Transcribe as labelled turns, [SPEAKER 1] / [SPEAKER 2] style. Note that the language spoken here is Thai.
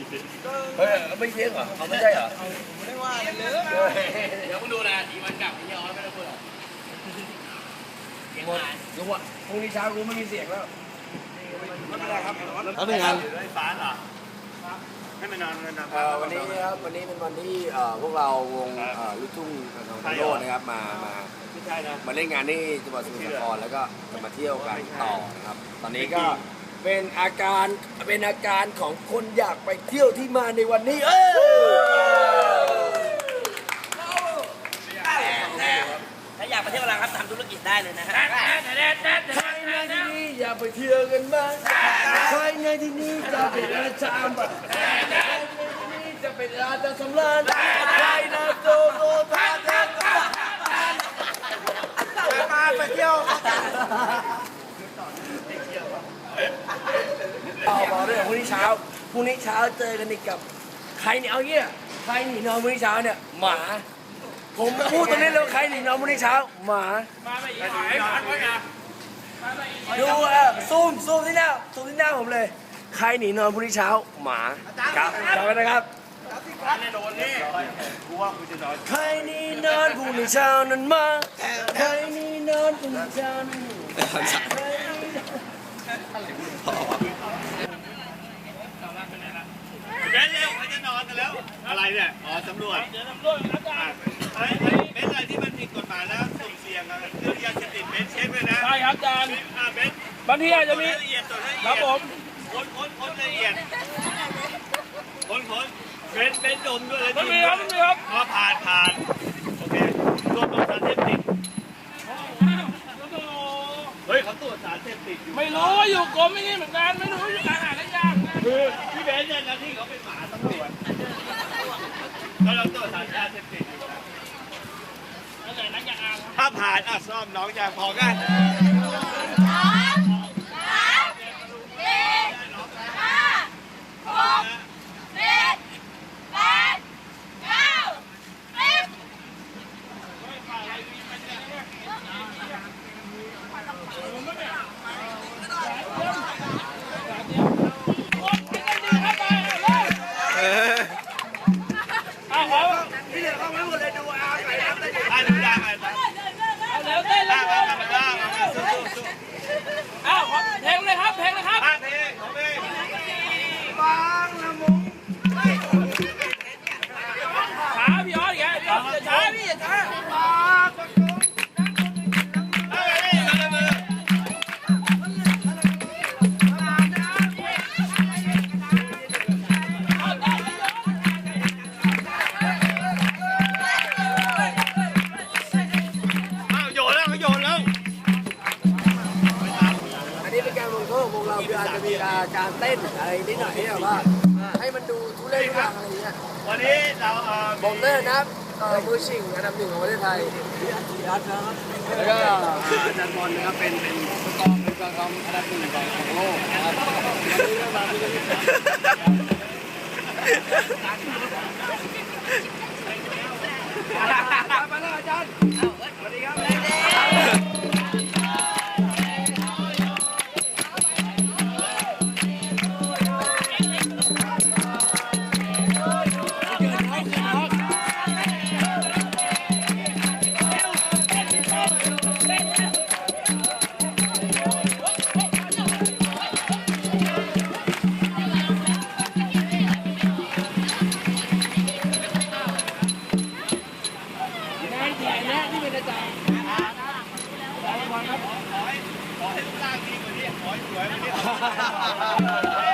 [SPEAKER 1] เฮ้ยไม่เลี้ยงเหรอเขาไม่ใช่เหรอ
[SPEAKER 2] ไม่ได้ว่าเลย
[SPEAKER 3] เดี๋ยวมึงดูนะอีวันกลับไอ้ย้อนไม่ได้พูดหรอก
[SPEAKER 1] หมดรู้ว่าพรุ่งนี้เช้ากูไม่มีเสียงแล้ว
[SPEAKER 2] ไม่เป็นไรครับ
[SPEAKER 1] เอาหนึ่งงาน
[SPEAKER 2] ฟ้าเหรอให้มันนอนกันนะ
[SPEAKER 1] วันนี้ครับวันนี้เป็นวันที่พวกเราวงลูกทุ่งทางโลกนะครับมาเล่นงานที่จังหวัดสมุทรสาครแล้วก็จะมาเที่ยวกันต่อนะครับตอนนี้ก็เป็นอาการของคนอยากไปเที่ยวที่มาในวันนี้
[SPEAKER 3] ถ้าอยากไปเที่ยวอะไรครับทำธุรกิจได้เลยนะฮะ
[SPEAKER 1] ใครในที่นี้อยากไปเที่ยวกันบ้างใครในที่นี้จะเป็นอาจารย์ใครในที่นี้จะเป็นอาจารย์สำราญใครนะโตทา
[SPEAKER 2] มาไปเที่ยว
[SPEAKER 1] บอกด้วยพรุ่งนี้เช้าเจอกันอีกกับใครเนี่ยเอาเงี้ยใครหนีนอนพรุ่งนี้เช้าเนี่ยหมาผมพูดตรงนี้เลยใครหนีนอนพรุ่งนี้เช้าหมา
[SPEAKER 3] ไม่อีกหายหายนะ
[SPEAKER 1] ดูซูมที่หน้าผมเลยใครหนีนอนพรุ่งนี้เช้าหมาครับจำไว้นะครับ
[SPEAKER 2] แน่นอนนี่กูว่ากูจะนอน
[SPEAKER 1] ใครหนีนอนพรุ่งนี้เช้านั้นมาใครหนีนอนพรุ่งนี้เช้านั้น
[SPEAKER 2] เบนเร็วเขาจะนอนกันแล้วอะไรเนี่ยอ๋อตำรวจ
[SPEAKER 3] เดี๋ยวตำรวจอาจารย์
[SPEAKER 2] เบนอะไรที่มันผิดกฎหมายแล้วสุ่มเสี่ยงเรื่องยาเสพติดเบนเช็คเลยนะ
[SPEAKER 3] ใช่ครับอาจารย์
[SPEAKER 2] เบน
[SPEAKER 3] บางทีอาจจะมี
[SPEAKER 2] ละเอียด
[SPEAKER 3] ครับผม
[SPEAKER 2] ค้นละเอียดค้นเบนโดนด้วยเลย
[SPEAKER 3] ไม่มีครับ
[SPEAKER 2] พอผ่านโอเคตรวจสารเสพติดเฮ้ยเขาตรวจสารเสพติด
[SPEAKER 3] ไม่รู้อยู่กรมไม่นี่เหมือนกันไม่รู้อยู่การหาได้ยากนะ
[SPEAKER 2] คือพี่เบนเนี่ยนะที่เขาเป็นหมาตำรวจแล้วเราตรวจสารเสพติดถ้าผ่านซ่อมน้องอย่างพอกัน
[SPEAKER 1] การเต้นอะไรนิดหน่อยที่แบบว่าให้มันดูทุเรศทุรังอะไรอย่างเงี้ย
[SPEAKER 2] วันนี้เรา
[SPEAKER 1] ผมเต้นนะครับมือชิงอันดับ 1ของประเทศไทยแล้วก็อาจารย์บอลนะครับเป็นกองอันดับ 1ของโลกนะครับมาแล้วอาจารย์สวัสดีครับ
[SPEAKER 2] ขอให้รูปร่างดีกว่านี้ขอให้สวยกว่านี้